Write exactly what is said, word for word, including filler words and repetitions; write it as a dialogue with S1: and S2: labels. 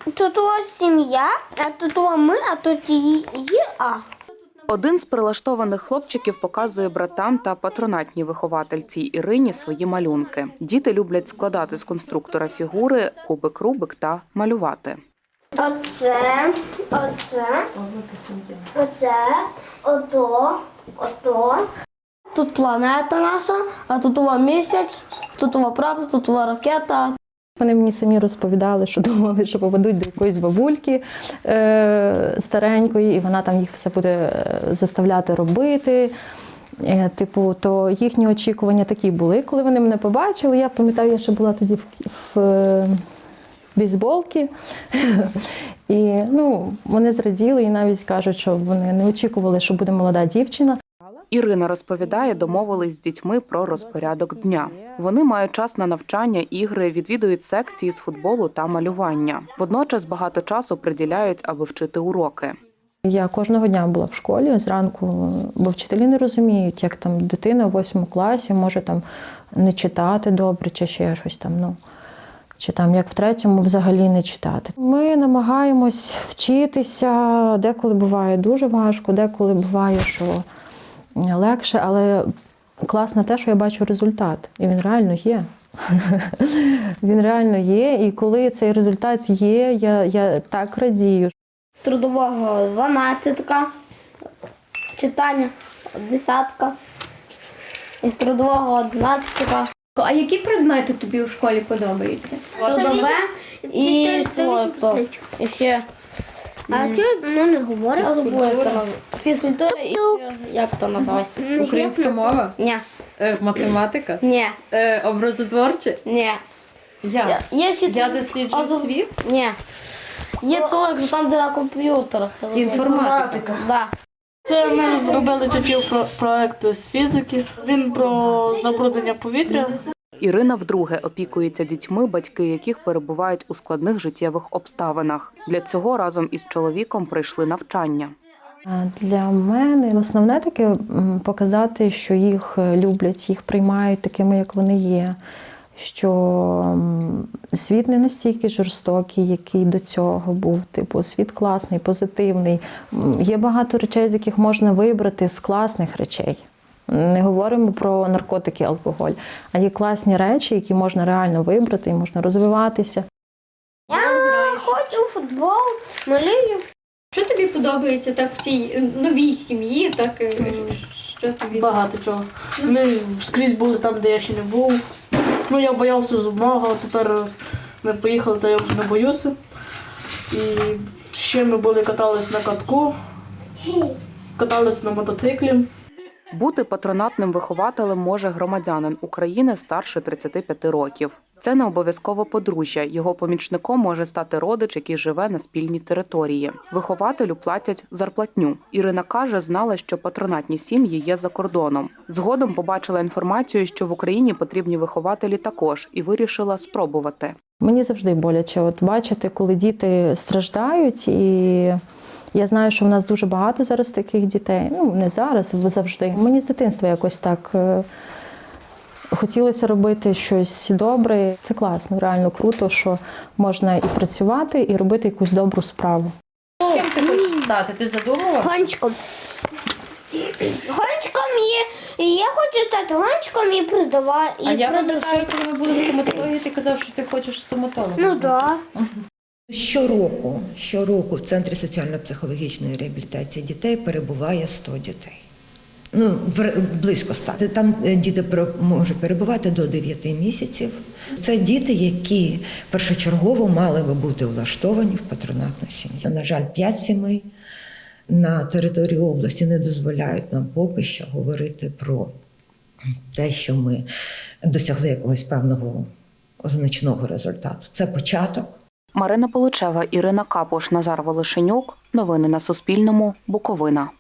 S1: Тут у вас сім'я, а тут у ми, а тут її, а.
S2: Один з прилаштованих хлопчиків показує братам та патронатній виховательці Ірині свої малюнки. Діти люблять складати з конструктора фігури, кубик Рубик та малювати.
S1: Оце, оце, оце, ото, ото.
S3: Тут планета наша, а тут у вас місяць, тут у вас прапор, тут у вас ракета.
S4: Вони мені самі розповідали, що думали, що попадуть до якоїсь бабульки е, старенької, і вона там їх все буде заставляти робити. Е, типу, то їхні очікування такі були, коли вони мене побачили. Я пам'ятаю, я ще була тоді в, в е, бейсболці. І ну, вони зраділи і навіть кажуть, що вони не очікували, що буде молода дівчина.
S2: Ірина розповідає, домовились з дітьми про розпорядок дня. Вони мають час на навчання, ігри, відвідують секції з футболу та малювання. Водночас багато часу приділяють, аби вчити уроки.
S4: Я кожного дня була в школі зранку, бо вчителі не розуміють, як там дитина в восьмому класі може там не читати добре чи ще щось там, ну, чи там як в третьому взагалі не читати. Ми намагаємось вчитися, деколи буває дуже важко, деколи буває, що легше, але класно те, що я бачу результат. І він реально є. Він реально є. І коли цей результат є, я, я так радію.
S3: З трудового дванадцятка, з читання десятка, і з трудового одинадцятка.
S5: А які предмети тобі у школі подобаються?
S3: Трудове і спорту. І ще
S1: А чого ну, не говориш?
S3: я забула, як то називається. Фізкультура і ще, як то називається?
S5: Українська мова?
S3: Ні,
S5: Е, математика?
S3: ні,
S5: Е, образотворче?
S3: ні.
S5: Я?
S3: Є ще
S5: Я досліджую
S3: Азов-
S5: світ?
S3: Ні. Є це, там, де на комп'ютерах.
S5: Інформатика?
S3: Да.
S6: Це ми зробили такий проект з фізики. Він про забруднення повітря.
S2: Ірина вдруге опікується дітьми, батьки яких перебувають у складних життєвих обставинах. Для цього разом із чоловіком пройшли навчання.
S4: Для мене основне таке м, показати, що їх люблять, їх приймають такими, як вони є. Що м, світ не настільки жорстокий, який до цього був. Типу, світ класний, позитивний. М, Є багато речей, з яких можна вибрати з класних речей. Не говоримо про наркотики, алкоголь, а є класні речі, які можна реально вибрати і можна розвиватися.
S1: Я хочу у футбол, малюю.
S5: Що тобі подобається так в цій новій сім'ї? Так, е, що тобі?
S6: Багато чого. Ми скрізь були там, де я ще не був. Ну, я боявся зубного, а тепер ми поїхали, та я вже не боюся. І ще ми були, катались на катку, катались на мотоциклі.
S2: Бути патронатним вихователем може громадянин України старше тридцяти п'яти років. Це не обов'язково подружжя. Його помічником може стати родич, який живе на спільній території. Вихователю платять зарплатню. Ірина каже, знала, що патронатні сім'ї є за кордоном. Згодом побачила інформацію, що в Україні потрібні вихователі також, і вирішила спробувати.
S4: Мені завжди боляче от бачити, коли діти страждають, і я знаю, що в нас дуже багато зараз таких дітей. Ну, не зараз, завжди. Мені з дитинства якось так е, хотілося робити щось добре. Це класно, реально круто, що можна і працювати, і робити якусь добру справу.
S5: Ким ти хочеш стати? Ти задумував?
S1: Гонщиком. Гонщиком є. Я хочу стати гонщиком і продавати.
S5: А я пам'ятаю, коли ми були в стоматології, ти казав, що ти хочеш стоматологом.
S1: Ну так. Да.
S7: Щороку, щороку в Центрі соціально-психологічної реабілітації дітей перебуває сто дітей. Ну, близько ста. Там діти можуть перебувати до дев'яти місяців. Це діти, які першочергово мали би бути влаштовані в патронатну сім'ю. На жаль, п'ять сімей на території області не дозволяють нам поки що говорити про те, що ми досягли якогось певного значного результату. Це початок.
S2: Марина Поличева, Ірина Капуш, Назар Волошенюк. Новини на Суспільному. Буковина.